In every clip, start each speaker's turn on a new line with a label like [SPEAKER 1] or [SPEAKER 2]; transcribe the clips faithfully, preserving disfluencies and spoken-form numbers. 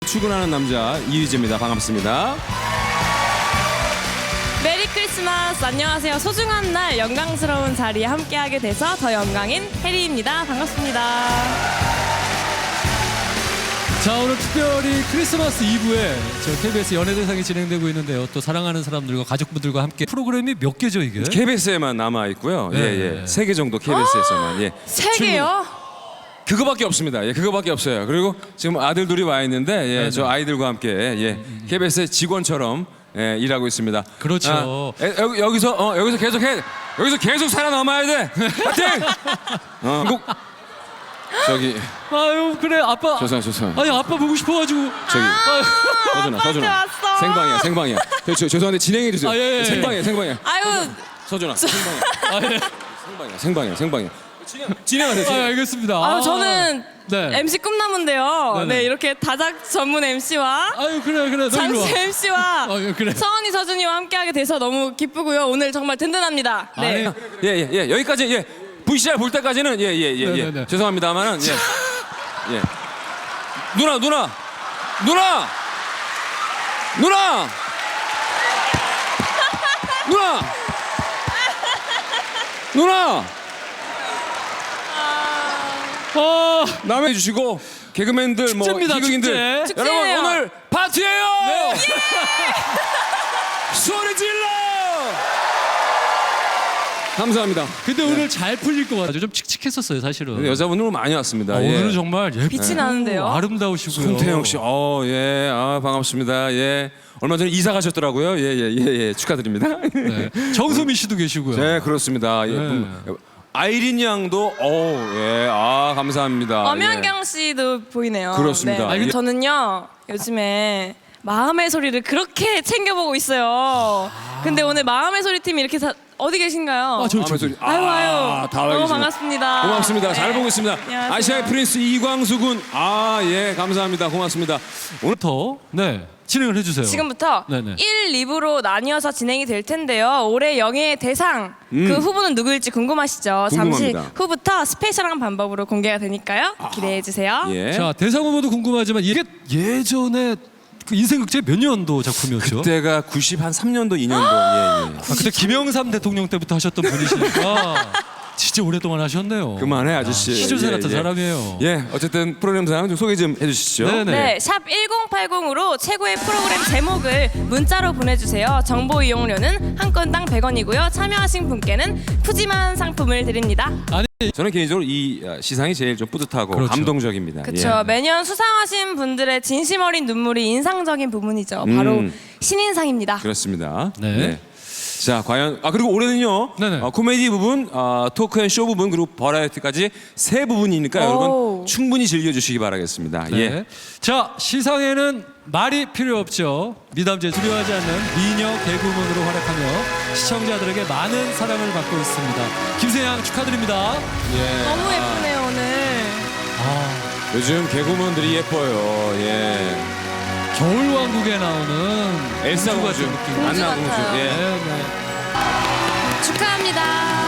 [SPEAKER 1] 출근하는 남자 이휘재입니다. 반갑습니다.
[SPEAKER 2] 메리 크리스마스. 안녕하세요. 소중한 날 영광스러운 자리에 함께하게 돼서 더 영광인 혜리입니다. 반갑습니다.
[SPEAKER 3] 자, 오늘 특별히 크리스마스 이브에 저 케이비에스 연예대상이 진행되고 있는데요. 또 사랑하는 사람들과 가족분들과 함께 프로그램이 몇 개죠 이게?
[SPEAKER 1] 케이비에스에만 남아 있고요.
[SPEAKER 3] 네.
[SPEAKER 1] 예, 예. 세 개 정도 케이비에스에서만. 예.
[SPEAKER 2] 세 개요?
[SPEAKER 1] 그거밖에 없습니다. 예, 그거밖에 없어요. 그리고 지금 아들 둘이 와 있는데, 예,
[SPEAKER 3] 네네.
[SPEAKER 1] 저 아이들과 함께 예, 케이비에스 직원처럼 예, 일하고 있습니다.
[SPEAKER 3] 그렇죠.
[SPEAKER 1] 아, 에, 여기, 여기서 어, 여기서 계속 해, 여기서 계속 살아남아야 돼. 파이팅! 어, 꼭 저기
[SPEAKER 3] 아유 그래 아빠.
[SPEAKER 1] 죄송, 죄송.
[SPEAKER 3] 아니 아빠 보고 싶어가지고.
[SPEAKER 1] 저기
[SPEAKER 3] 아유,
[SPEAKER 1] 서준아,
[SPEAKER 2] 아빠한테
[SPEAKER 1] 서준아.
[SPEAKER 2] 왔어.
[SPEAKER 1] 생방이야, 생방이야. 저, 저, 죄송한데 진행해 주세요.
[SPEAKER 3] 아, 예, 예.
[SPEAKER 1] 생방이야, 생방이야.
[SPEAKER 2] 아유,
[SPEAKER 1] 서준아, 생방이야.
[SPEAKER 3] 아, 예.
[SPEAKER 1] 생방이야, 생방이야, 생방이야. 진행, 진행하세요.
[SPEAKER 3] 아,
[SPEAKER 1] 진행.
[SPEAKER 3] 알겠습니다.
[SPEAKER 2] 아유 저는
[SPEAKER 3] 네.
[SPEAKER 2] 엠씨 꿈나무인데요.
[SPEAKER 3] 네네.
[SPEAKER 2] 네, 이렇게 다작 전문 엠씨와
[SPEAKER 3] 아유 그래 그래 너 일로 와.
[SPEAKER 2] 장수 엠씨와
[SPEAKER 3] 아, 예, 그래.
[SPEAKER 2] 서원이 서준이와 함께하게 돼서 너무 기쁘고요. 오늘 정말 든든합니다. 네.
[SPEAKER 3] 아니,
[SPEAKER 1] 예, 예, 예. 여기까지 예. 브이씨알 볼 때까지는 예, 예, 예, 예.
[SPEAKER 3] 네네네.
[SPEAKER 1] 죄송합니다만은 예. 예. 누나, 누나. 누나. 누나. 누나. 누나.
[SPEAKER 3] 아,
[SPEAKER 1] 남해 주시고 개그맨들 뭐
[SPEAKER 3] 축제입니다,
[SPEAKER 1] 희극인들
[SPEAKER 3] 축제.
[SPEAKER 1] 여러분
[SPEAKER 2] 축제예요.
[SPEAKER 1] 오늘 파티예요.
[SPEAKER 3] 네.
[SPEAKER 1] 소리 질러. 감사합니다.
[SPEAKER 3] 근데 오늘 잘 풀릴 것 같아요. 좀 칙칙했었어요 사실은.
[SPEAKER 1] 근데 여자분들 많이 왔습니다.
[SPEAKER 3] 아,
[SPEAKER 1] 예.
[SPEAKER 3] 오늘은 정말 예쁘고
[SPEAKER 2] 빛이 나는데요.
[SPEAKER 3] 아름다우시고요.
[SPEAKER 1] 손태영 씨, 어, 예, 아 반갑습니다. 예, 얼마 전에 이사 가셨더라고요. 예, 예, 예, 예, 축하드립니다.
[SPEAKER 3] 네. 정소미 씨도 계시고요.
[SPEAKER 1] 네, 그렇습니다. 예,
[SPEAKER 3] 네.
[SPEAKER 1] 음, 아이린 양도, 어, 예, 아 감사합니다.
[SPEAKER 2] 엄연경 씨도 보이네요.
[SPEAKER 1] 그렇습니다.
[SPEAKER 2] 네.
[SPEAKER 1] 아, 이게-
[SPEAKER 2] 저는요 요즘에 마음의 소리를 그렇게 챙겨보고 있어요. 근데 오늘 마음의 소리 팀이 이렇게 다 어디 계신가요?
[SPEAKER 3] 아, 저,
[SPEAKER 1] 예.
[SPEAKER 3] 저, 저.
[SPEAKER 1] 소리.
[SPEAKER 2] 아유 아유
[SPEAKER 1] 아, 다 와
[SPEAKER 2] 너무
[SPEAKER 1] 계시네.
[SPEAKER 2] 반갑습니다.
[SPEAKER 1] 고맙습니다. 잘
[SPEAKER 2] 네.
[SPEAKER 1] 보고 있습니다.
[SPEAKER 2] 안녕하세요.
[SPEAKER 1] 아시아의 프린스 이광수 군, 아, 예, 감사합니다. 고맙습니다. 오늘
[SPEAKER 3] 오늘부터 네 진행을 해주세요.
[SPEAKER 2] 지금부터
[SPEAKER 3] 네네.
[SPEAKER 2] 일, 이 부로 나뉘어서 진행이 될 텐데요. 올해 영예의 대상 그 후보는 누구일지 궁금하시죠? 잠시
[SPEAKER 1] 음. 궁금합니다.
[SPEAKER 2] 후부터 스페셜한 방법으로 공개가 되니까요. 기대해 주세요.
[SPEAKER 1] 예,
[SPEAKER 3] 자 대상 후보도 궁금하지만 이게 예전에 그 인생극제 몇 년도 작품이었죠?
[SPEAKER 1] 그때가 구십삼 년도, 이 년도, 예, 예.
[SPEAKER 3] 아, 그때 김영삼 대통령 때부터 하셨던 분이시니까 진짜 오랫동안 하셨네요.
[SPEAKER 1] 그만해 아저씨.
[SPEAKER 3] 시조새
[SPEAKER 1] 예,
[SPEAKER 3] 같은
[SPEAKER 1] 예.
[SPEAKER 3] 사람이에요.
[SPEAKER 1] 예, 어쨌든 프로그램 상황 좀 소개 좀 해주시죠.
[SPEAKER 3] 네네.
[SPEAKER 2] 네, 샵 일공팔공으로 최고의 프로그램 제목을 문자로 보내주세요. 정보 이용료는 한 건당 백 원이고요. 참여하신 분께는 푸짐한 상품을 드립니다.
[SPEAKER 3] 아니
[SPEAKER 1] 저는 개인적으로 이 어, 시상이 제일 좀 뿌듯하고
[SPEAKER 3] 그렇죠.
[SPEAKER 1] 감동적입니다.
[SPEAKER 2] 그렇죠.
[SPEAKER 1] 예.
[SPEAKER 2] 매년 수상하신 분들의 진심 어린 눈물이 인상적인 부분이죠. 바로
[SPEAKER 1] 음.
[SPEAKER 2] 신인상입니다.
[SPEAKER 1] 그렇습니다.
[SPEAKER 3] 네.
[SPEAKER 1] 자, 과연 아 그리고 올해는요.
[SPEAKER 3] 네네.
[SPEAKER 1] 어, 코미디 부분, 어, 토크 앤 쇼 부분 그리고 버라이어티까지 세 부분이니까
[SPEAKER 2] 오.
[SPEAKER 1] 여러분 충분히 즐겨주시기 바라겠습니다.
[SPEAKER 3] 네.
[SPEAKER 1] 예.
[SPEAKER 3] 자 시상에는 말이 필요 없죠. 미담제 두려워하지 않는 미녀 개그우먼으로 활약하며 시청자들에게 많은 사랑을 받고 있습니다. 김세양 축하드립니다.
[SPEAKER 1] 예.
[SPEAKER 2] 너무 예쁘네요 오늘.
[SPEAKER 3] 아,
[SPEAKER 1] 요즘 개그우먼들이 예뻐요. 예.
[SPEAKER 3] 겨울왕국에 나오는
[SPEAKER 1] 엘사
[SPEAKER 3] 공주
[SPEAKER 1] 공주,
[SPEAKER 3] 같은 느낌.
[SPEAKER 2] 공주
[SPEAKER 1] 안나 공주.
[SPEAKER 2] 같아요.
[SPEAKER 1] 예.
[SPEAKER 3] 네, 네.
[SPEAKER 2] 축하합니다.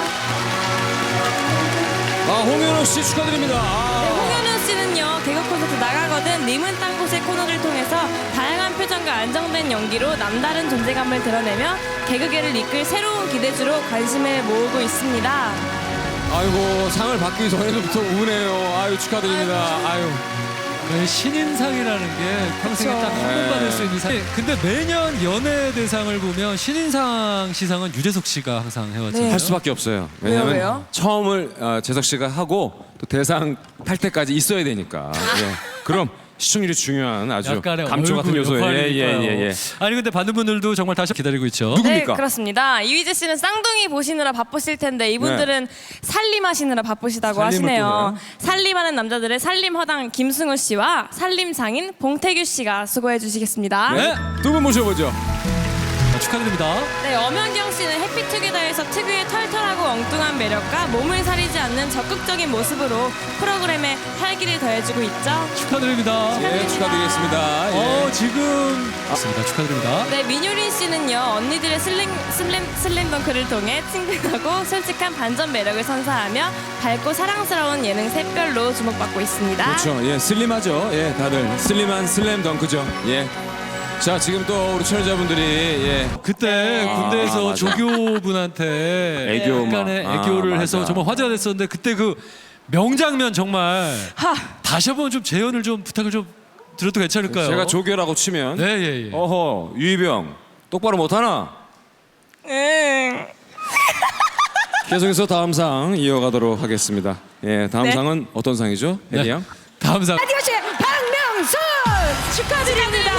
[SPEAKER 1] 아 홍현호 씨 축하드립니다.
[SPEAKER 2] 네,
[SPEAKER 1] 아.
[SPEAKER 2] 홍현우 씨는요 개그 콘서트 나가거든 님은 딴 곳의 코너를 통해서 다양한 표정과 안정된 연기로 남다른 존재감을 드러내며 개그계를 이끌 새로운 기대주로 관심을 모으고 있습니다.
[SPEAKER 1] 아이고 상을 받기 전에부터 우네요. 아유 축하드립니다. 아유.
[SPEAKER 3] 네, 신인상이라는 게 평생에
[SPEAKER 2] 그쵸.
[SPEAKER 3] 딱 한 번
[SPEAKER 1] 네.
[SPEAKER 3] 받을 수 있는 상. 근데 매년 연예대상을 보면 신인상 시상은 유재석 씨가 항상 해왔잖아요.
[SPEAKER 2] 네.
[SPEAKER 1] 할 수밖에 없어요. 왜냐하면
[SPEAKER 2] 왜요, 왜요?
[SPEAKER 1] 처음을 어, 재석 씨가 하고 또 대상 탈 때까지 있어야 되니까. 예. 그럼 시청률이 중요한 아주
[SPEAKER 3] 약간의
[SPEAKER 1] 감초 같은
[SPEAKER 3] 얼굴
[SPEAKER 1] 요소예요.
[SPEAKER 3] 역할이니까요.
[SPEAKER 1] 예, 예, 예.
[SPEAKER 3] 아니 근데 받는 분들도 정말 다시 기다리고 있죠.
[SPEAKER 1] 누구-
[SPEAKER 2] 네,
[SPEAKER 1] 누굽니까?
[SPEAKER 2] 그렇습니다. 이휘재 씨는 쌍둥이 보시느라 바쁘실 텐데 이분들은 살림하시느라 바쁘시다고
[SPEAKER 1] 살림을
[SPEAKER 2] 하시네요.
[SPEAKER 1] 또 해요?
[SPEAKER 2] 살림하는 남자들의 살림 허당 김승우 씨와 살림 장인 봉태규 씨가 수고해 주시겠습니다.
[SPEAKER 1] 네. 두 분 모셔보죠.
[SPEAKER 3] 축하드립니다.
[SPEAKER 2] 네, 엄연경 씨는 해피투게더에서 특유의 털털하고 엉뚱한 매력과 몸을 사리지 않는 적극적인 모습으로 프로그램에 활기를 더해주고 있죠.
[SPEAKER 3] 축하드립니다.
[SPEAKER 1] 예, 축하드리겠습니다. 예.
[SPEAKER 3] 어, 지금 맞습니다. 축하드립니다.
[SPEAKER 2] 네, 민효린 씨는요, 언니들의 슬램, 슬램, 슬램덩크를 통해 친근하고 솔직한 반전 매력을 선사하며 밝고 사랑스러운 예능 샛별로 주목받고 있습니다.
[SPEAKER 1] 그렇죠. 예, 슬림하죠. 예, 다들 슬림한 슬램 덩크죠. 예. 자, 지금 또 우리 출연자분들이 예.
[SPEAKER 3] 그때
[SPEAKER 1] 아,
[SPEAKER 3] 군대에서
[SPEAKER 1] 맞아.
[SPEAKER 3] 조교분한테
[SPEAKER 1] 애교 막.
[SPEAKER 3] 약간의
[SPEAKER 1] 아,
[SPEAKER 3] 애교를
[SPEAKER 1] 맞아.
[SPEAKER 3] 해서 정말 화제가 됐었는데 그때 그 명장면 정말
[SPEAKER 2] 하,
[SPEAKER 3] 다시 한번 좀 재연을 좀 부탁을 좀 드려도 괜찮을까요?
[SPEAKER 1] 제가 조교라고 치면
[SPEAKER 3] 네, 예, 예.
[SPEAKER 1] 어허, 유이병 똑바로 못 하나?
[SPEAKER 2] 응.
[SPEAKER 1] 계속해서 다음 상 이어가도록 하겠습니다. 예, 다음
[SPEAKER 2] 네.
[SPEAKER 1] 상은 어떤 상이죠? 혜리 양?
[SPEAKER 3] 다음 상.
[SPEAKER 4] 라디오씨 박명수 축하드립니다.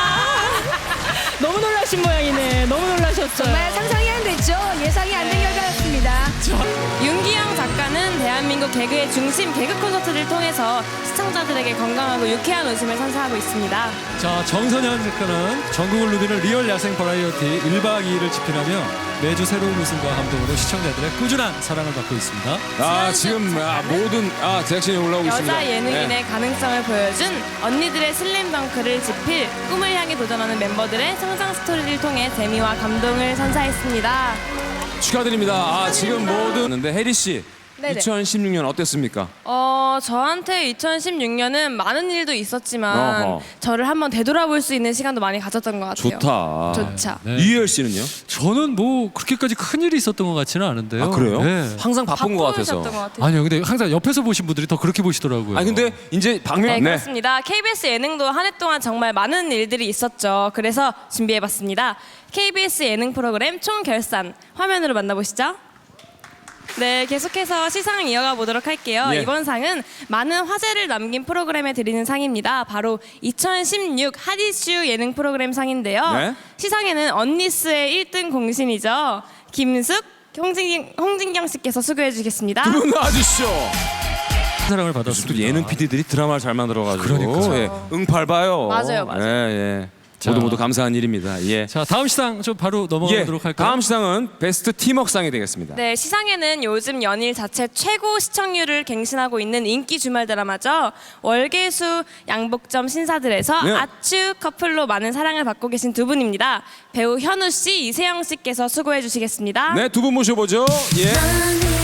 [SPEAKER 2] 너무 놀라신 모양이네. 너무 놀라셨어요.
[SPEAKER 4] 정말 상상이 안 됐죠. 예상이 안 된 결과였습니다.
[SPEAKER 2] 윤기영 작가는 대한민국 개그의 중심 개그 콘서트를 통해서 시청자들에게 건강하고 유쾌한 웃음을 선사하고 있습니다.
[SPEAKER 3] 자, 정선현 작가는 전국을 누비는 리얼 야생 버라이어티 일 박 이 일을 집필하며 매주 새로운 웃음과 감동으로 시청자들의 꾸준한 사랑을 받고 있습니다.
[SPEAKER 1] 아, 지금 아, 모든 아 제작진이 올라오고 있습니다.
[SPEAKER 2] 여자 예능인의
[SPEAKER 1] 네.
[SPEAKER 2] 가능성을 보여준 언니들의 슬램덩크를 집필 꿈을 향해 도전하는 멤버들의 성장 스토리를 통해 재미와 감동을 선사했습니다.
[SPEAKER 1] 축하드립니다. 아, 지금 모든 근데 혜리 씨
[SPEAKER 2] 네네.
[SPEAKER 1] 이천십육 년 어땠습니까?
[SPEAKER 2] 어, 저한테 이천십육 년은 많은 일도 있었지만
[SPEAKER 1] 어허.
[SPEAKER 2] 저를 한번 되돌아볼 수 있는 시간도 많이 가졌던 것 같아요.
[SPEAKER 1] 좋다.
[SPEAKER 2] 좋죠.
[SPEAKER 3] 네.
[SPEAKER 1] 유희열 씨는요?
[SPEAKER 3] 저는 뭐 그렇게까지 큰 일이 있었던 것 같지는 않은데요.
[SPEAKER 1] 아, 그래요?
[SPEAKER 3] 네.
[SPEAKER 1] 항상 바쁜 것 같아서.
[SPEAKER 2] 바쁘셨던 것 같아요.
[SPEAKER 3] 아니요, 근데 항상 옆에서 보신 분들이 더 그렇게 보시더라고요.
[SPEAKER 1] 아니 근데 이제 박명
[SPEAKER 2] 네, 그렇습니다. 케이비에스 예능도 한 해 동안 정말 많은 일들이 있었죠. 그래서 준비해봤습니다. 케이비에스 예능 프로그램 총결산 화면으로 만나보시죠. 네, 계속해서 시상을 이어가 보도록 할게요.
[SPEAKER 1] 예.
[SPEAKER 2] 이번 상은 많은 화제를 남긴 프로그램에 드리는 상입니다. 바로 이천십육 핫이슈 예능 프로그램 상인데요.
[SPEAKER 1] 네.
[SPEAKER 2] 시상에는 언니스의 일 등 공신이죠. 김숙, 홍진, 홍진경 씨께서 수고해 주시겠습니다.
[SPEAKER 1] 두 분 나와주시죠.
[SPEAKER 3] 사랑을
[SPEAKER 1] 또
[SPEAKER 3] 받았습니다.
[SPEAKER 1] 예능 피디들이 드라마를 잘 만들어가지고
[SPEAKER 3] 그러니까요.
[SPEAKER 1] 예, 응팔 봐요.
[SPEAKER 2] 맞아요, 맞아요.
[SPEAKER 1] 예, 예.
[SPEAKER 3] 자.
[SPEAKER 1] 모두 모두 감사한 일입니다. 예.
[SPEAKER 3] 자, 다음 시상 좀 바로
[SPEAKER 1] 예.
[SPEAKER 3] 넘어가도록 할까요?
[SPEAKER 1] 다음 시상은 베스트 팀워크상이 되겠습니다.
[SPEAKER 2] 네, 시상에는 요즘 연일 자체 최고 시청률을 갱신하고 있는 인기 주말 드라마죠. 월계수 양복점 신사들에서
[SPEAKER 1] 네.
[SPEAKER 2] 아추 커플로 많은 사랑을 받고 계신 두 분입니다. 배우 현우 씨, 이세영 씨께서 수고해 주시겠습니다.
[SPEAKER 1] 네, 두 분 모셔보죠. 예.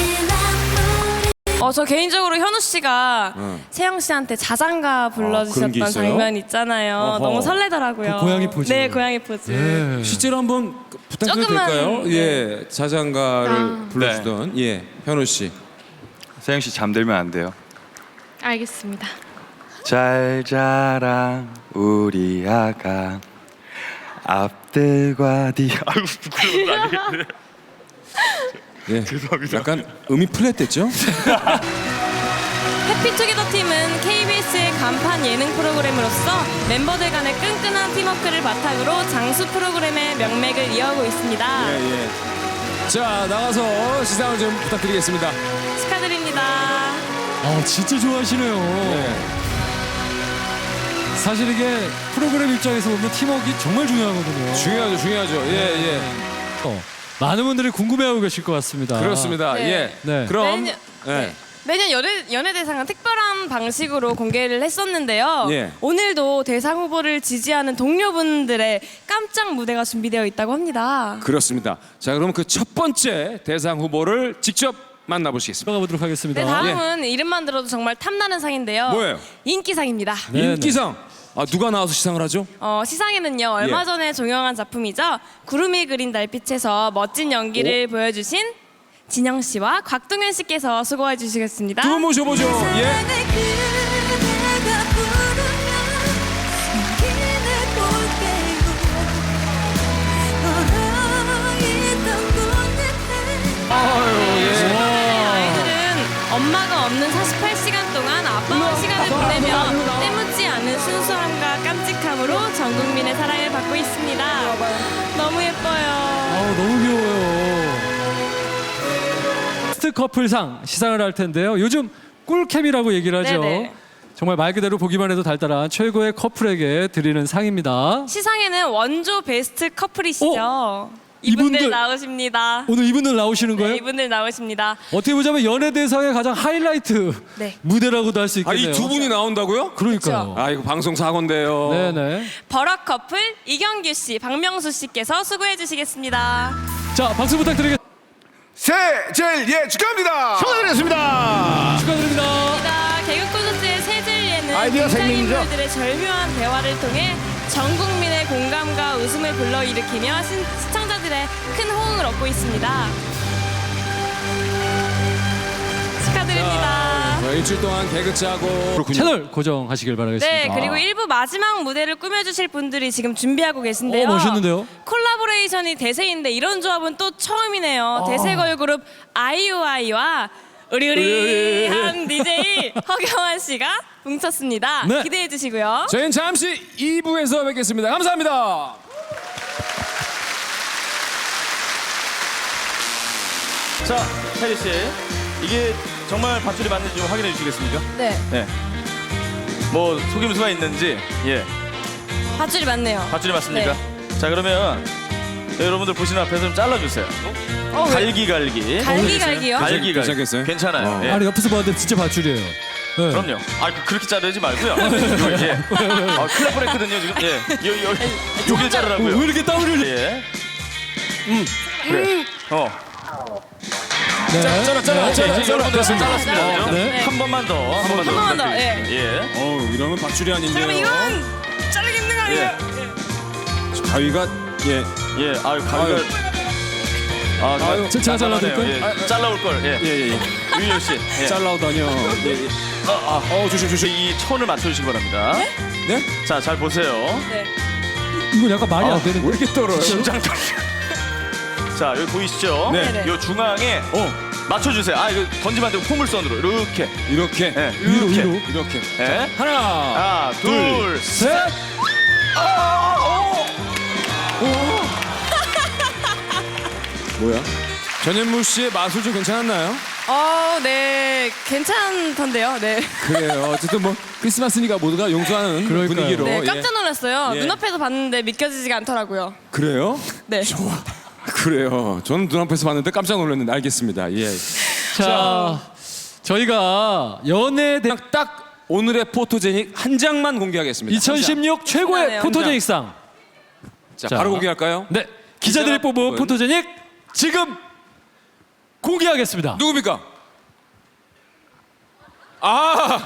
[SPEAKER 2] 어, 저 개인적으로 현우 씨가
[SPEAKER 1] 응.
[SPEAKER 2] 세영 씨한테 자장가
[SPEAKER 1] 아, 그런 게
[SPEAKER 2] 불러주셨던
[SPEAKER 1] 있어요?
[SPEAKER 2] 장면 있잖아요.
[SPEAKER 1] 어허.
[SPEAKER 2] 너무 설레더라고요.
[SPEAKER 3] 그 고양이 포즈.
[SPEAKER 2] 네, 고양이 포즈.
[SPEAKER 3] 네.
[SPEAKER 1] 실제로 한번 부탁드려도
[SPEAKER 2] 조금만,
[SPEAKER 1] 될까요?
[SPEAKER 2] 네.
[SPEAKER 1] 예, 자장가를
[SPEAKER 2] 아.
[SPEAKER 1] 불러주던 예, 현우 씨.
[SPEAKER 5] 세영 씨 잠들면 안 돼요.
[SPEAKER 2] 알겠습니다.
[SPEAKER 5] 잘 자라 우리 아가 앞들과 뒤. 아유 부끄러워 아니겠네.
[SPEAKER 1] 예,
[SPEAKER 5] 죄송합니다.
[SPEAKER 1] 약간 음이 플랫됐죠?
[SPEAKER 2] 해피투게더 팀은 케이비에스의 간판 예능 프로그램으로서 멤버들 간의 끈끈한 팀워크를 바탕으로 장수 프로그램의 명맥을 이어오고 있습니다.
[SPEAKER 1] 예, 예. 자, 나가서 시상을 좀 부탁드리겠습니다.
[SPEAKER 2] 축하드립니다.
[SPEAKER 3] 아, 진짜 좋아하시네요.
[SPEAKER 1] 예.
[SPEAKER 3] 사실 이게 프로그램 입장에서 보면 팀워크가 정말 중요하거든요.
[SPEAKER 1] 중요하죠, 중요하죠. 예, 예.
[SPEAKER 3] 어, 많은 분들이 궁금해하고 계실 것 같습니다.
[SPEAKER 1] 그렇습니다.
[SPEAKER 2] 네.
[SPEAKER 1] 예.
[SPEAKER 3] 네.
[SPEAKER 1] 그럼
[SPEAKER 2] 매년,
[SPEAKER 1] 예.
[SPEAKER 2] 네. 매년 연예, 연예대상은 특별한 방식으로 공개를 했었는데요.
[SPEAKER 1] 예.
[SPEAKER 2] 오늘도 대상 후보를 지지하는 동료분들의 깜짝 무대가 준비되어 있다고 합니다.
[SPEAKER 1] 그렇습니다. 자, 그럼 그 첫 번째 대상 후보를 직접 만나보시겠습니다.
[SPEAKER 3] 들어가 보도록 하겠습니다.
[SPEAKER 2] 네, 다음은 이름만 들어도 정말 탐나는 상인데요.
[SPEAKER 1] 뭐예요?
[SPEAKER 2] 인기상입니다.
[SPEAKER 3] 네, 네.
[SPEAKER 1] 인기상. 아, 누가 나와서 시상을 하죠?
[SPEAKER 2] 어, 시상에는요 얼마
[SPEAKER 1] 예.
[SPEAKER 2] 전에 종영한 작품이죠. 구름이 그린 달빛에서 멋진 연기를 보여주신 진영 씨와 곽동현 씨께서 수고해 주시겠습니다.
[SPEAKER 1] 두 분 모셔보죠. 예. 아유, 예.
[SPEAKER 2] 아이들은 엄마가 없는 사십팔 시간 동안 아빠와 시간을 보내며 때묻지 않은 순수함과 깜찍함으로 전 국민의 사랑을 받고 있습니다. 너무 예뻐요.
[SPEAKER 3] 아, 너무 귀여워요. 베스트 커플상 시상을 할 텐데요. 요즘 꿀캠이라고 얘기를 하죠.
[SPEAKER 2] 네네.
[SPEAKER 3] 정말 말 그대로 보기만 해도 달달한 최고의 커플에게 드리는 상입니다.
[SPEAKER 2] 시상에는 원조 베스트 커플이시죠.
[SPEAKER 3] 어?
[SPEAKER 2] 이분들,
[SPEAKER 3] 이분들-
[SPEAKER 2] 나오십니다.
[SPEAKER 3] 오늘 이분들 나오시는 거예요?
[SPEAKER 2] 네, 이분들 나오십니다.
[SPEAKER 3] 어떻게 보자면 연예대상의 가장 하이라이트
[SPEAKER 2] 네.
[SPEAKER 3] 무대라고도 할 수
[SPEAKER 1] 아,
[SPEAKER 3] 있겠네요.
[SPEAKER 1] 이 두 분이 나온다고요?
[SPEAKER 3] 그러니까요.
[SPEAKER 1] 아, 이거 방송 사고인데요.
[SPEAKER 3] 네네.
[SPEAKER 2] 버럭 커플 이경규 씨, 박명수 씨께서 수고해 주시겠습니다.
[SPEAKER 3] 자, 박수 부탁드리겠습니다.
[SPEAKER 6] 새젤예 축하합니다.
[SPEAKER 3] 축하드립니다. 축하드립니다.
[SPEAKER 2] 자, 개그 콘서트의 세젤리에는
[SPEAKER 6] 아이디어 생명이죠.
[SPEAKER 2] 등장인물들의 절묘한 대화를 통해 전 국민의 공감과 웃음을 불러일으키며 신- 시청자들의 큰 호응을 얻고 있습니다. 축하드립니다.
[SPEAKER 1] 자, 일주일 동안 개그 짜고
[SPEAKER 3] 채널 고정하시길 바라겠습니다.
[SPEAKER 2] 네, 그리고 일부 마지막 무대를 꾸며주실 분들이 지금 준비하고 계신데요.
[SPEAKER 3] 어, 멋있는데요?
[SPEAKER 2] 콜라보레이션이 대세인데 이런 조합은 또 처음이네요. 대세 걸그룹 아이오아이와 으리으리한 디제이 허경환 씨가 뭉쳤습니다.
[SPEAKER 3] 네.
[SPEAKER 2] 기대해 주시고요.
[SPEAKER 1] 저희는 잠시 이 부에서 뵙겠습니다. 감사합니다.
[SPEAKER 5] 자, 혜리 씨, 이게 정말 밧줄이 맞는지 좀 확인해 주시겠습니까?
[SPEAKER 2] 네,
[SPEAKER 5] 네. 뭐 속임수가 있는지, 예,
[SPEAKER 2] 밧줄이 맞네요.
[SPEAKER 5] 밧줄이 맞습니까? 자, 그러면 여러분들 보시는 앞에서 좀 잘라주세요.
[SPEAKER 2] 어, 왜?
[SPEAKER 5] 갈기갈기.
[SPEAKER 2] 갈기갈기요?
[SPEAKER 5] 갈기갈기.
[SPEAKER 1] 괜찮겠어요?
[SPEAKER 5] 괜찮아요.
[SPEAKER 1] 어.
[SPEAKER 5] 예.
[SPEAKER 3] 아니 옆에서 봤는데 진짜 밧줄이에요. 네.
[SPEAKER 5] 그럼요. 아, 그- 그렇게 자르지 말고요. 이거, 예. 아, 큰일 날 뻔했거든요, 지금. 예. 요, 요, 여길
[SPEAKER 3] 어,
[SPEAKER 5] 자르라고요.
[SPEAKER 3] 왜 이렇게 땀을 흘려?
[SPEAKER 5] 예. 음. 그래. 어.
[SPEAKER 3] 네.
[SPEAKER 1] 잘라, 잘라,
[SPEAKER 5] 네,
[SPEAKER 1] 잘라,
[SPEAKER 5] 이제
[SPEAKER 1] 잘라.
[SPEAKER 5] 여러분들
[SPEAKER 1] 됐습니다.
[SPEAKER 5] 잘랐습니다.
[SPEAKER 2] 네.
[SPEAKER 5] 그죠?
[SPEAKER 3] 네.
[SPEAKER 5] 한 번만 더. 한 번만 더.
[SPEAKER 2] 한 번만 더,
[SPEAKER 5] 부탁드리겠습니다. 예.
[SPEAKER 1] 어, 이러면 밧줄이 아닌데요.
[SPEAKER 2] 그러면 이건 자르기 힘든 거 아니에요?
[SPEAKER 1] 가위가 예.
[SPEAKER 5] 예. 아유, 가위가. 아,
[SPEAKER 1] 아유,
[SPEAKER 3] 제가 잘라드릴까요?
[SPEAKER 5] 예.
[SPEAKER 1] 아, 아,
[SPEAKER 5] 잘라올 걸. 예.
[SPEAKER 1] 예, 예, 예.
[SPEAKER 5] 유희열 씨. 예.
[SPEAKER 1] 잘라오다니요. 예, 예.
[SPEAKER 5] 아, 아.
[SPEAKER 1] 어, 조심, 조심.
[SPEAKER 5] 이 천을 맞춰주시기 바랍니다.
[SPEAKER 1] 네?
[SPEAKER 5] 자, 잘 보세요.
[SPEAKER 2] 네.
[SPEAKER 3] 이건 약간 말이
[SPEAKER 1] 아,
[SPEAKER 3] 안 되는
[SPEAKER 1] 왜 이렇게 떨어요?
[SPEAKER 5] 심장 떨려. 자, 여기 보이시죠?
[SPEAKER 1] 네.
[SPEAKER 2] 네네.
[SPEAKER 5] 요 중앙에
[SPEAKER 1] 어,
[SPEAKER 5] 맞춰주세요. 아, 이거 던지면 안 되고 포물선으로 이렇게.
[SPEAKER 1] 이렇게.
[SPEAKER 5] 예.
[SPEAKER 3] 위로
[SPEAKER 5] 이렇게.
[SPEAKER 3] 위로.
[SPEAKER 1] 이렇게.
[SPEAKER 5] 예.
[SPEAKER 1] 하나.
[SPEAKER 5] 하나, 둘,
[SPEAKER 3] 셋.
[SPEAKER 1] 뭐야? 전현무 씨의 마술 좀 괜찮았나요?
[SPEAKER 2] 어, 네, 괜찮던데요. 네.
[SPEAKER 1] 그래요. 어쨌든 뭐 크리스마스니까 모두가 용서하는
[SPEAKER 3] 그러니까요.
[SPEAKER 1] 분위기로.
[SPEAKER 2] 네,
[SPEAKER 1] 예.
[SPEAKER 2] 깜짝 놀랐어요.
[SPEAKER 1] 예.
[SPEAKER 2] 눈앞에서 봤는데 믿겨지지가 않더라고요.
[SPEAKER 1] 그래요?
[SPEAKER 2] 네.
[SPEAKER 1] 좋아. 그래요. 저는 눈앞에서 봤는데 깜짝 놀랐는데 알겠습니다. 예.
[SPEAKER 3] 자, 저희가 연예대
[SPEAKER 1] 그냥 딱 오늘의 포토제닉 한 장만 공개하겠습니다.
[SPEAKER 3] 이천십육 최고의
[SPEAKER 2] 신나네요.
[SPEAKER 3] 포토제닉상.
[SPEAKER 1] 자,
[SPEAKER 3] 자.
[SPEAKER 1] 바로 공개할까요?
[SPEAKER 3] 네, 기자들이
[SPEAKER 1] 기자가
[SPEAKER 3] 뽑은
[SPEAKER 1] 뽑은-
[SPEAKER 3] 포토제닉 지금 공개하겠습니다.
[SPEAKER 1] 누굽니까? 아,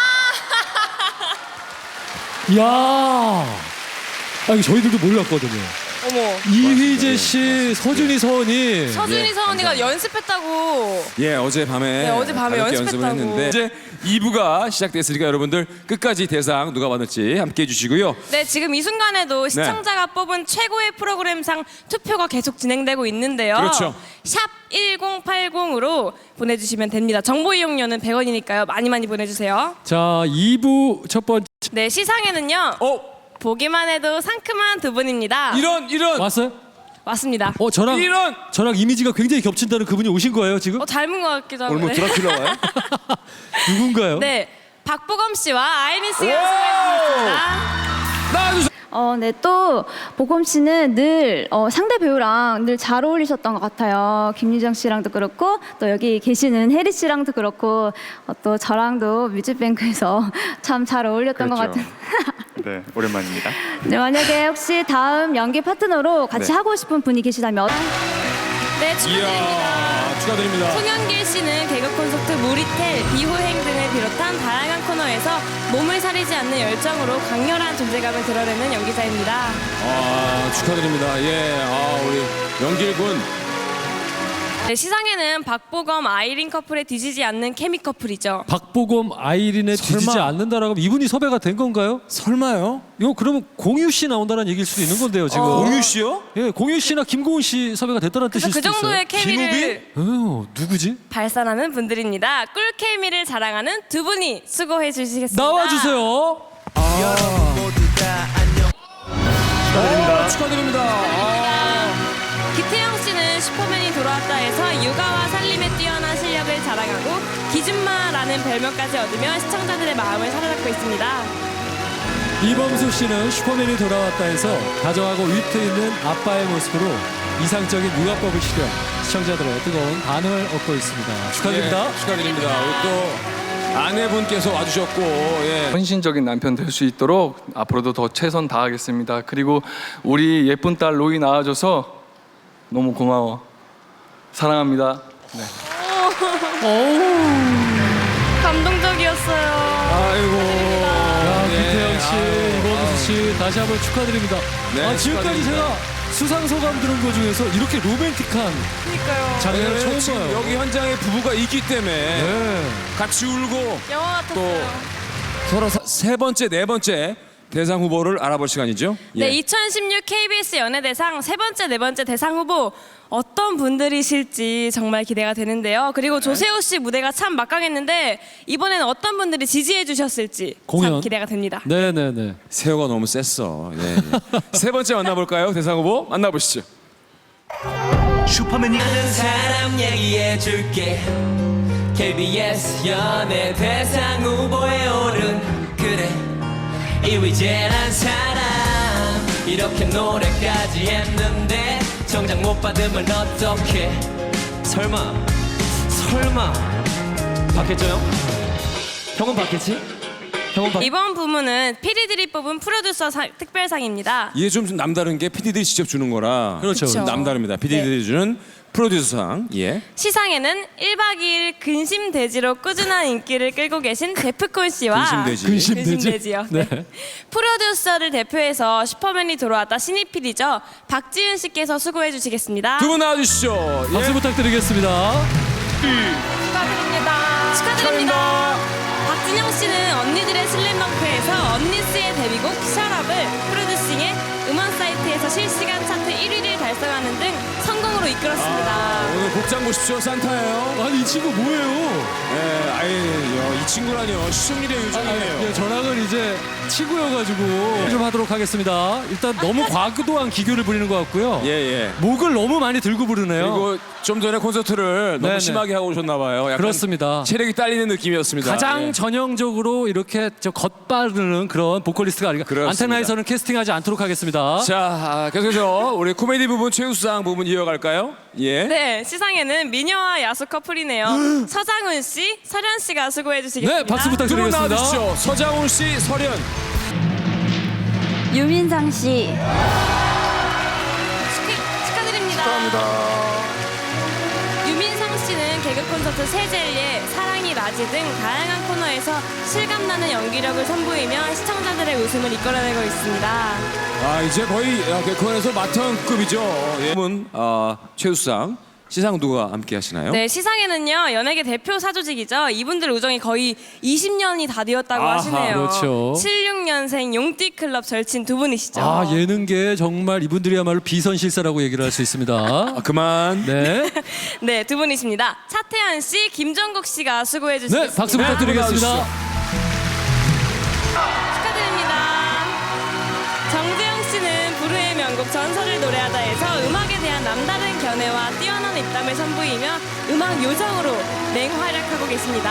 [SPEAKER 3] 이야, 아, 이거 저희들도 몰랐거든요.
[SPEAKER 2] 어머.
[SPEAKER 3] 이휘재 씨, 서준이 서원이
[SPEAKER 2] 서준이
[SPEAKER 1] 예,
[SPEAKER 2] 서원이가 연습했다고.
[SPEAKER 1] 예, 어젯밤에
[SPEAKER 2] 네, 어젯밤에
[SPEAKER 1] 가볍게
[SPEAKER 2] 연습했다고.
[SPEAKER 1] 연습을 했는데 이제 이 부가 시작됐으니까 여러분들 끝까지 대상 누가 받을지 함께 해주시고요.
[SPEAKER 2] 네, 지금 이 순간에도 시청자가 뽑은 최고의 프로그램상 투표가 계속 진행되고 있는데요.
[SPEAKER 1] 그렇죠.
[SPEAKER 2] 샵 일공팔공으로 보내주시면 됩니다. 정보 이용료는 백 원이니까요. 많이 많이 보내주세요.
[SPEAKER 3] 자, 이 부 첫 번째
[SPEAKER 2] 네, 시상에는요.
[SPEAKER 1] 어,
[SPEAKER 2] 보기만 해도 상큼한 두 분입니다.
[SPEAKER 1] 이런 이런
[SPEAKER 3] 왔어요?
[SPEAKER 2] 맞습니다.
[SPEAKER 3] 어, 저랑
[SPEAKER 1] 이런
[SPEAKER 3] 저랑 이미지가 굉장히 겹친다는 그분이 오신 거예요 지금?
[SPEAKER 2] 어, 닮은 것 같기도 하고.
[SPEAKER 1] 오늘 뭐
[SPEAKER 2] 네.
[SPEAKER 1] 드라큘라 와요?
[SPEAKER 3] 누군가요?
[SPEAKER 2] 네, 박보검 씨와 아이린 씨가 수고해주셨습니다.
[SPEAKER 1] 나와주세요.
[SPEAKER 4] 어, 네, 또 보검 씨는 늘 어, 상대 배우랑 늘 잘 어울리셨던 것 같아요. 김유정 씨랑도 그렇고 또 여기 계시는 혜리 씨랑도 그렇고 어, 또 저랑도 뮤직뱅크에서 참 잘 어울렸던 것
[SPEAKER 5] 그렇죠.
[SPEAKER 4] 같은.
[SPEAKER 5] 네, 오랜만입니다.
[SPEAKER 4] 네, 만약에 혹시 다음 연기 파트너로 같이
[SPEAKER 1] 네.
[SPEAKER 4] 하고 싶은 분이 계시다면
[SPEAKER 2] 네, 축하드립니다.
[SPEAKER 1] 이야, 축하드립니다.
[SPEAKER 2] 송영길 씨는 개그 콘서트 무리텔, 비호행 등을 비롯한 다양한 코너에서 몸을 사리지 않는 열정으로 강렬한 존재감을 드러내는 연기자입니다.
[SPEAKER 1] 아, 축하드립니다. 예, 아, 우리 연길군.
[SPEAKER 2] 네, 시상에는 박보검, 아이린 커플에 뒤지지 않는 케미 커플이죠.
[SPEAKER 3] 박보검 아이린에
[SPEAKER 1] 설마.
[SPEAKER 3] 뒤지지 않는다라고 하면 이분이 섭외가 된 건가요?
[SPEAKER 1] 설마요?
[SPEAKER 3] 이거 그러면 공유 씨 나온다는 얘기일 수도 있는 건데요 지금.
[SPEAKER 2] 어.
[SPEAKER 1] 공유 씨요?
[SPEAKER 3] 예, 공유 씨나 김고은 씨 섭외가 됐다는
[SPEAKER 2] 그래서
[SPEAKER 3] 뜻일
[SPEAKER 2] 그
[SPEAKER 3] 수도
[SPEAKER 2] 정도의
[SPEAKER 3] 있어요.
[SPEAKER 2] 케미를
[SPEAKER 3] 어, 누구지?
[SPEAKER 2] 발산하는 분들입니다. 꿀 케미를 자랑하는 두 분이 수고해 주시겠습니다.
[SPEAKER 3] 나와주세요.
[SPEAKER 1] 축하드립니다. 축하드립니다. 아,
[SPEAKER 2] 기태영 씨는 슈퍼맨이 돌아왔다 무대에서 육아와 살림에 뛰어난 실력을 자랑하고 기준마라는 별명까지 얻으며 시청자들의 마음을 사로잡고 있습니다.
[SPEAKER 3] 이범수 씨는 슈퍼맨이 돌아왔다 해서 다정하고 위트 있는 아빠의 모습으로 이상적인 육아법을 실현 시청자들의 뜨거운 반응을 얻고 있습니다. 축하드립니다.
[SPEAKER 1] 예, 축하드립니다. 우리 또 아내분께서 와주셨고, 예.
[SPEAKER 7] 헌신적인 남편 될 수 있도록 앞으로도 더 최선 다하겠습니다. 그리고 우리 예쁜 딸 로이 낳아줘서 너무 고마워. 사랑합니다. 네.
[SPEAKER 2] 감동적이었어요.
[SPEAKER 1] 아이고.
[SPEAKER 3] 야,
[SPEAKER 1] 예.
[SPEAKER 3] 김태형 씨,
[SPEAKER 1] 아유,
[SPEAKER 3] 이범수 씨 다시 한번 축하드립니다.
[SPEAKER 1] 네,
[SPEAKER 3] 아, 지금까지
[SPEAKER 1] 축하드립니다.
[SPEAKER 3] 제가 수상 소감 들은 것 중에서 이렇게 로맨틱한
[SPEAKER 2] 그러니까요.
[SPEAKER 3] 장면을
[SPEAKER 1] 왜냐면
[SPEAKER 3] 처음
[SPEAKER 1] 지금
[SPEAKER 3] 봐요.
[SPEAKER 1] 여기 현장에 부부가 있기 때문에
[SPEAKER 3] 네.
[SPEAKER 1] 같이 울고
[SPEAKER 2] 영화 같았어요.
[SPEAKER 1] 서로 사- 세 번째, 네 번째 대상 후보를 알아볼 시간이죠.
[SPEAKER 2] 네,
[SPEAKER 1] 예.
[SPEAKER 2] 이천십육 케이비에스 연예대상 세 번째, 네 번째 대상 후보 어떤 분들이실지 정말 기대가 되는데요. 그리고 조세호 씨 무대가 참 막강했는데 이번에는 어떤 분들이 지지해 주셨을지
[SPEAKER 3] 공연.
[SPEAKER 2] 참 기대가 됩니다.
[SPEAKER 3] 네네네.
[SPEAKER 1] 세호가 너무 셌어. 예, 예. 세 번째 만나볼까요? 대상 후보 만나보시죠.
[SPEAKER 8] 슈퍼맨이
[SPEAKER 9] 아는 사람 얘기해줄게 케이비에스 연예 대상 후보에 오른 그래 이위재란 사람 이렇게 노래까지 했는데 정작 못 받으면 어떡해 설마 설마 받겠죠 형? 형은 받겠지? 형은 받...
[SPEAKER 2] 이번 부문은 피디들이 뽑은 프로듀서 상- 특별상입니다.
[SPEAKER 1] 이게 좀 남다른 게 피디들이 직접 주는 거라.
[SPEAKER 3] 그렇죠.
[SPEAKER 2] 그쵸.
[SPEAKER 1] 남다릅니다. 피디들이 주는 프로듀서상. 예.
[SPEAKER 2] 시상에는 일박 이일 근심돼지로 꾸준한 인기를 끌고 계신 데프콘 씨와
[SPEAKER 1] 근심돼지.
[SPEAKER 3] 근심돼지.
[SPEAKER 2] 근심돼지요.
[SPEAKER 3] 네.
[SPEAKER 2] 프로듀서를 대표해서 슈퍼맨이 돌아왔다 신입 피디죠. 박지윤 씨께서 수고해 주시겠습니다.
[SPEAKER 1] 두 분 나와주시죠.
[SPEAKER 3] 박수
[SPEAKER 1] 예.
[SPEAKER 3] 부탁드리겠습니다.
[SPEAKER 2] 축하드립니다. 축하드립니다. 박진영 씨는 언니들의 슬램덩크에서 언니스의 데뷔곡 셔럽을 프로듀싱해 음원 사이트에서 실시간 차트 일 위를 달성하는 등 성공으로 이끌었습니다.
[SPEAKER 1] 오늘 복장 보십시오. 산타예요.
[SPEAKER 3] 아니 이 친구 뭐예요?
[SPEAKER 1] 예, 아예 이 친구라뇨. 시청률의 요정이에요.
[SPEAKER 3] 예, 저랑은 이제 친구여가지고 좀 하도록 하겠습니다. 일단 너무 과도한 기교를 부리는 것 같고요.
[SPEAKER 1] 예, 예.
[SPEAKER 3] 목을 너무 많이 들고 부르네요.
[SPEAKER 1] 그리고 좀 전에 콘서트를 너무
[SPEAKER 3] 네네.
[SPEAKER 1] 심하게 하고 오셨나 봐요. 약간
[SPEAKER 3] 그렇습니다.
[SPEAKER 1] 체력이 딸리는 느낌이었습니다.
[SPEAKER 3] 가장
[SPEAKER 1] 예.
[SPEAKER 3] 전형적으로 이렇게 저 겉바르는 그런 보컬리스트가 아닌가.
[SPEAKER 1] 그렇습니다.
[SPEAKER 3] 안테나에서는 캐스팅하지 않도록 하겠습니다.
[SPEAKER 1] 자, 아, 계속해서 우리 코미디 부분 최우수상 부분 이어갈까요? 예.
[SPEAKER 2] 네, 시상에는 미녀와 야수 커플이네요. 서장훈 씨, 설현 씨가 수고해 주시겠습니다.
[SPEAKER 3] 네, 박수
[SPEAKER 1] 두 분
[SPEAKER 3] 부탁드리겠습니다.
[SPEAKER 1] 나와주시죠. 서장훈 씨, 설현.
[SPEAKER 4] 유민상 씨,
[SPEAKER 2] 축하- 축하드립니다. 유민상 씨는 개그 콘서트 세젤리에 사랑이 라지 등 다양한 코너에서 실감나는 연기력을 선보이며 시청자들의 웃음을 이끌어내고 있습니다.
[SPEAKER 1] 아, 이제 거의 아, 개콘에서 마턴급이죠. 예. 부분 아, 최우수상 시상 누가 함께 하시나요?
[SPEAKER 2] 네, 시상에는요 연예계 대표 사조직이죠. 이분들 우정이 거의 이십 년이 다 되었다고
[SPEAKER 1] 아하,
[SPEAKER 2] 하시네요.
[SPEAKER 3] 그렇죠.
[SPEAKER 2] 칠십육 년생 용띠클럽 절친 두 분이시죠.
[SPEAKER 3] 아 예능계 정말 이분들이야말로 비선실세라고 얘기를 할 수 있습니다.
[SPEAKER 1] 아, 그만.
[SPEAKER 3] 네,
[SPEAKER 2] 네, 두 분이십니다. 차태현 씨, 김정국 씨가 수고해
[SPEAKER 3] 네
[SPEAKER 2] 주시겠습니다.
[SPEAKER 3] 박수 부탁드리겠습니다.
[SPEAKER 2] 축하드립니다. 정재영 씨는 부르의 명곡 전설을 노래하다에서 음악에 대한 남다른 견해와 뛰어난 입담을 선보이며 음악 요정으로 맹활약하고 계십니다.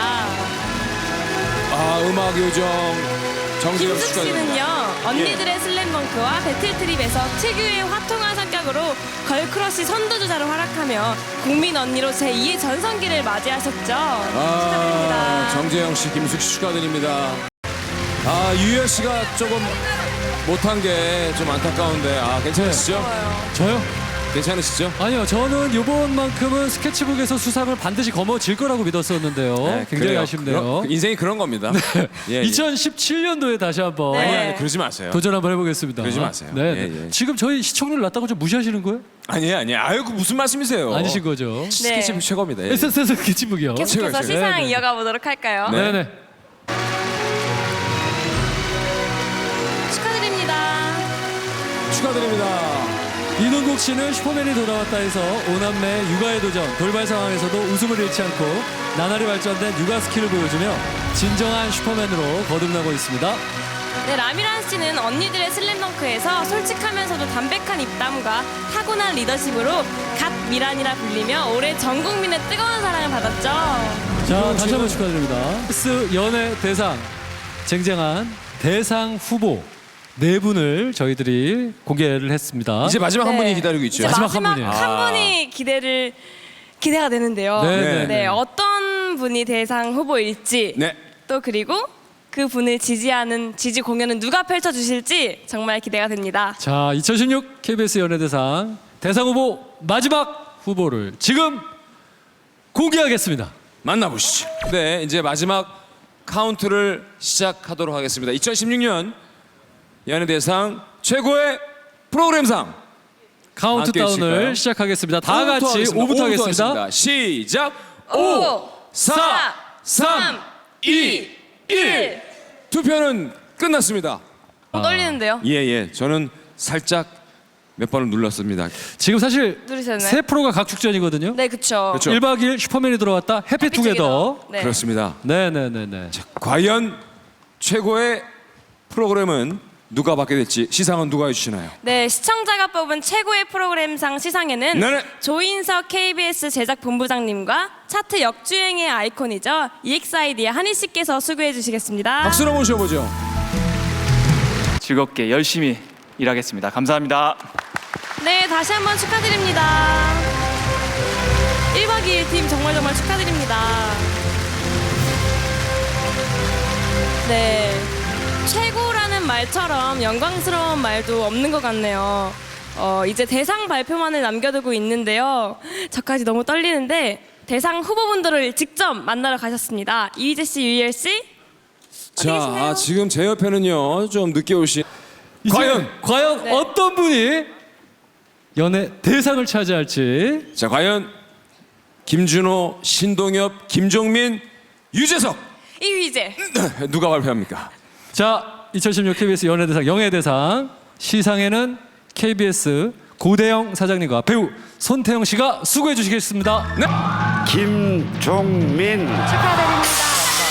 [SPEAKER 1] 아, 음악 요정 정재영
[SPEAKER 2] 김숙
[SPEAKER 1] 축하드립니다.
[SPEAKER 2] 씨는요 언니들의 슬램덩크와 배틀트립에서 특유의 화통한 성격으로 걸크러쉬 선두주자로 활약하며 국민 언니로 제이의 전성기를 맞이하셨죠.
[SPEAKER 1] 아,
[SPEAKER 2] 축하드립니다.
[SPEAKER 1] 정재영 씨, 김숙 씨 축하드립니다. 아, 유열 씨가 조금 못한 게 좀 안타까운데 아, 괜찮으시죠?
[SPEAKER 3] 저요?
[SPEAKER 1] 괜찮으시죠?
[SPEAKER 3] 아니요, 저는 이번만큼은 스케치북에서 수상을 반드시 거머쥘 거라고 믿었었는데요. 굉장히
[SPEAKER 1] 네, 그래요.
[SPEAKER 3] 아쉽네요.
[SPEAKER 1] 그런- 인생이 그런 겁니다. 예, 예.
[SPEAKER 3] 이천십칠 년도에 다시 한번
[SPEAKER 2] 네.
[SPEAKER 1] 아니, 아니, 그러지 마세요.
[SPEAKER 3] 도전 한번 해보겠습니다.
[SPEAKER 1] 그러지 마세요.
[SPEAKER 3] 네,
[SPEAKER 1] 예,
[SPEAKER 3] 네.
[SPEAKER 1] 예.
[SPEAKER 3] 지금 저희 시청률 낮다고 좀 무시하시는 거예요?
[SPEAKER 1] 아니에요, 아니에요. 아이고, 무슨 말씀이세요?
[SPEAKER 3] 아니신 거죠?
[SPEAKER 1] 스케치북 최고입니다. 예.
[SPEAKER 3] 에스에스 스케치북이요.
[SPEAKER 2] 계속해서
[SPEAKER 1] 제가
[SPEAKER 2] 시상
[SPEAKER 3] 네, 네.
[SPEAKER 2] 이어가 보도록 할까요?
[SPEAKER 1] 네.
[SPEAKER 3] 네네.
[SPEAKER 2] 축하드립니다.
[SPEAKER 1] 축하드립니다.
[SPEAKER 3] 이동국 씨는 슈퍼맨이 돌아왔다 해서 오남매 육아의 도전, 돌발 상황에서도 웃음을 잃지 않고 나날이 발전된 육아 스킬을 보여주며 진정한 슈퍼맨으로 거듭나고 있습니다.
[SPEAKER 2] 네, 라미란 씨는 언니들의 슬램덩크에서 솔직하면서도 담백한 입담과 타고난 리더십으로 갓 미란이라 불리며 올해 전 국민의 뜨거운 사랑을 받았죠.
[SPEAKER 3] 자, 다시 한번 축하드립니다. 스 연예 대상 쟁쟁한 대상 후보 네 분을 저희들이 공개를 했습니다.
[SPEAKER 1] 이제 마지막 한
[SPEAKER 2] 네.
[SPEAKER 1] 분이 기다리고 있죠.
[SPEAKER 2] 이제
[SPEAKER 3] 마지막
[SPEAKER 2] 마지막,
[SPEAKER 3] 한 분이에요.
[SPEAKER 2] 한
[SPEAKER 1] 아.
[SPEAKER 2] 분이 기대를 기대가 되는데요.
[SPEAKER 3] 네,
[SPEAKER 1] 네.
[SPEAKER 2] 네, 어떤 분이 대상 후보일지
[SPEAKER 1] 네.
[SPEAKER 2] 또 그리고 그 분을 지지하는 지지 공연은 누가 펼쳐주실지 정말 기대가 됩니다.
[SPEAKER 3] 자, 이천십육 케이비에스 연예대상 대상 후보 마지막 후보를 지금 공개하겠습니다.
[SPEAKER 1] 만나보시죠. 네, 이제 마지막 카운트를 시작하도록 하겠습니다. 이천십육 년 연예대상 최고의 프로그램상
[SPEAKER 3] 카운트다운을
[SPEAKER 1] 해주실까요?
[SPEAKER 3] 시작하겠습니다. 다
[SPEAKER 1] 오부터
[SPEAKER 3] 같이
[SPEAKER 1] 하겠습니다.
[SPEAKER 3] 오부터
[SPEAKER 1] 오부터
[SPEAKER 3] 하겠습니다.
[SPEAKER 1] 시작.
[SPEAKER 2] 오,
[SPEAKER 1] 오, 사, 삼, 이, 일. 투표는 끝났습니다.
[SPEAKER 2] 어, 떨리는데요.
[SPEAKER 1] 예, 예. 저는 살짝 몇 번을 눌렀습니다.
[SPEAKER 3] 지금 사실
[SPEAKER 2] 누르셨나요?
[SPEAKER 3] 세 프로가 각축전이거든요.
[SPEAKER 2] 네, 그렇죠.
[SPEAKER 1] 그렇죠.
[SPEAKER 3] 일 박 이 일 슈퍼맨이 들어왔다. 해피투게더.
[SPEAKER 2] 네.
[SPEAKER 1] 그렇습니다.
[SPEAKER 3] 네네네네.
[SPEAKER 1] 과연 최고의 프로그램은 누가 받게 될지 시상은 누가 해주시나요?
[SPEAKER 2] 네, 시청자가 뽑은 최고의 프로그램상 시상에는
[SPEAKER 1] 네네.
[SPEAKER 2] 조인석 케이비에스 제작본부장님과 차트 역주행의 아이콘이죠. 이엑스아이디의 한희 씨께서 수고해 주시겠습니다.
[SPEAKER 1] 박수로 모셔보죠.
[SPEAKER 5] 즐겁게 열심히 일하겠습니다. 감사합니다.
[SPEAKER 2] 네, 다시 한번 축하드립니다. 일 박 이 일 팀 정말 정말 축하드립니다. 네, 최고라는 말처럼 영광스러운 말도 없는 것 같네요. 어, 이제 대상 발표만을 남겨두고 있는데요. 저까지 너무 떨리는데 대상 후보분들을 직접 만나러 가셨습니다. 이휘재 씨, 유희열 씨.
[SPEAKER 1] 자,
[SPEAKER 2] 계시나요?
[SPEAKER 1] 아, 지금 제 옆에는요 좀 늦게 오신
[SPEAKER 3] 이제
[SPEAKER 1] 과연!
[SPEAKER 3] 과연
[SPEAKER 2] 네.
[SPEAKER 3] 어떤 분이 연예 대상을 차지할지.
[SPEAKER 1] 자 과연 김준호, 신동엽, 김종민, 유재석
[SPEAKER 2] 이휘재.
[SPEAKER 1] 누가 발표합니까?
[SPEAKER 3] 자, 이천십육 케이비에스 연예대상 영예대상 시상에는 케이비에스 고대영 사장님과 배우 손태영 씨가 수고해 주시겠습니다.
[SPEAKER 1] 네.
[SPEAKER 6] 김종민.
[SPEAKER 2] 축하드립니다.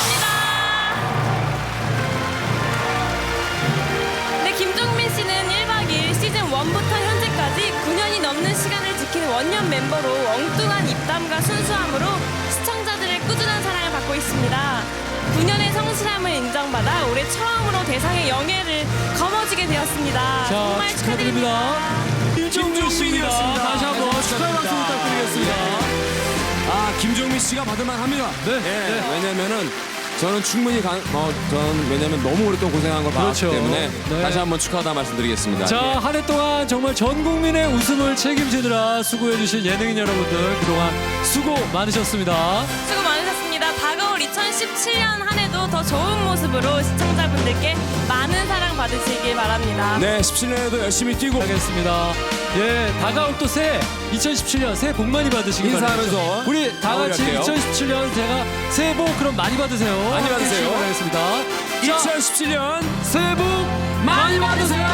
[SPEAKER 2] 네, 김종민 씨는 일 박 이 일 시즌 일부터 현재까지 구 년이 넘는 시간을 지키는 원년 멤버로 엉뚱한 입담과 순수함으로 시청자들의 꾸준한 사랑을 받고 있습니다. 구 년의 성실함을 인정받아 올해 처음으로 대상의 영예를 거머쥐게 되었습니다.
[SPEAKER 3] 자,
[SPEAKER 2] 정말 축하드립니다.
[SPEAKER 3] 축하드립니다. 김종민 씨입니다.
[SPEAKER 1] 김종민이었습니다.
[SPEAKER 3] 다시 한번
[SPEAKER 1] 네,
[SPEAKER 3] 축하의 박수
[SPEAKER 1] 축하드립니다.
[SPEAKER 3] 부탁드리겠습니다.
[SPEAKER 1] 아 김종민 씨가 받을만 합니다.
[SPEAKER 3] 네,
[SPEAKER 1] 예,
[SPEAKER 3] 네.
[SPEAKER 1] 왜냐면은 저는 충분히 가, 어, 저는 왜냐면 너무 오랫동안 고생한 걸 봤기
[SPEAKER 3] 그렇죠.
[SPEAKER 1] 때문에
[SPEAKER 3] 네.
[SPEAKER 1] 다시 한번 축하하다 말씀드리겠습니다.
[SPEAKER 3] 자,
[SPEAKER 1] 예.
[SPEAKER 3] 한 해 동안 정말 전 국민의 웃음을 책임지느라 수고해주신 예능인 여러분들 그동안 수고 많으셨습니다.
[SPEAKER 2] 수고 많으셨습니다. 다가올 이천십칠 년 한 해도 더 좋은 모습으로 시청자분들께 많은 사랑 받으시길 바랍니다.
[SPEAKER 1] 네, 십칠 년에도 열심히 뛰고
[SPEAKER 3] 하겠습니다. 예, 다가올 또 새해 이천십칠 년 새해 복 많이 받으시길
[SPEAKER 1] 인사하면서
[SPEAKER 3] 바랍니다. 우리 다 같이
[SPEAKER 1] 마무리할게요.
[SPEAKER 3] 이천십칠 년 제가 새해 복 그럼 많이 받으세요.
[SPEAKER 1] 많이
[SPEAKER 3] 함께
[SPEAKER 1] 받으세요.
[SPEAKER 3] 해주시기 바라겠습니다. 자,
[SPEAKER 1] 이천십칠 년
[SPEAKER 3] 새해 복 많이 받으세요.